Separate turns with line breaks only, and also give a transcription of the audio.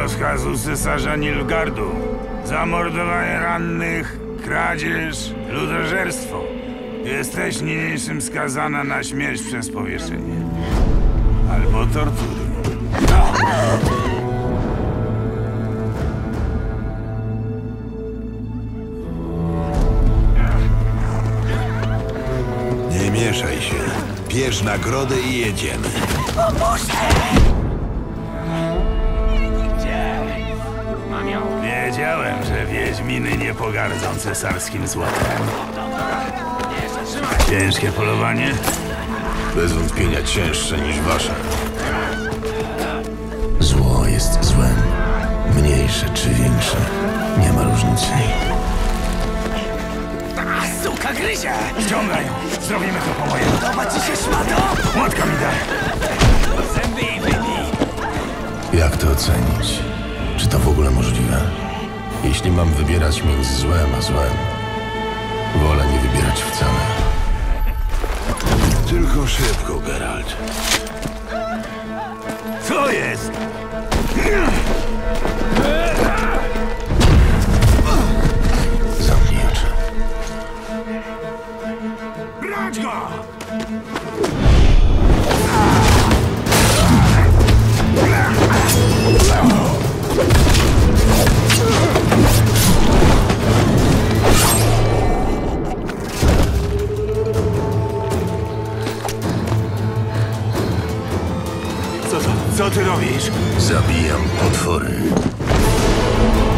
rozkazu cesarza Nilfgaardu. Zamordowanie rannych, kradzież, ludożerstwo. Jesteś niniejszym skazana na śmierć przez powieszenie. Albo tortury.
Nie mieszaj się. Bierz nagrodę i jedziemy.
Wiedziałem, że wiedźminy nie pogardzą cesarskim złotem. Ciężkie polowanie?
Bez wątpienia cięższe niż wasze.
Zło jest złem. Mniejsze czy większe. Nie ma różnicy.
Suka gryzie! Ściągaj ją! Zrobimy to po mojemu.
Podoba ci się, szmato?
Młotka mi daj!
Zęby i wybij!
Jak to ocenić? Czy to w ogóle możliwe? Jeśli mam wybierać między złem a złem, wolę nie wybierać wcale.
Tylko szybko, Geralt.
Co jest?
Zamknij oczy.
Brać go! Co ty robisz?
Zabijam potwory.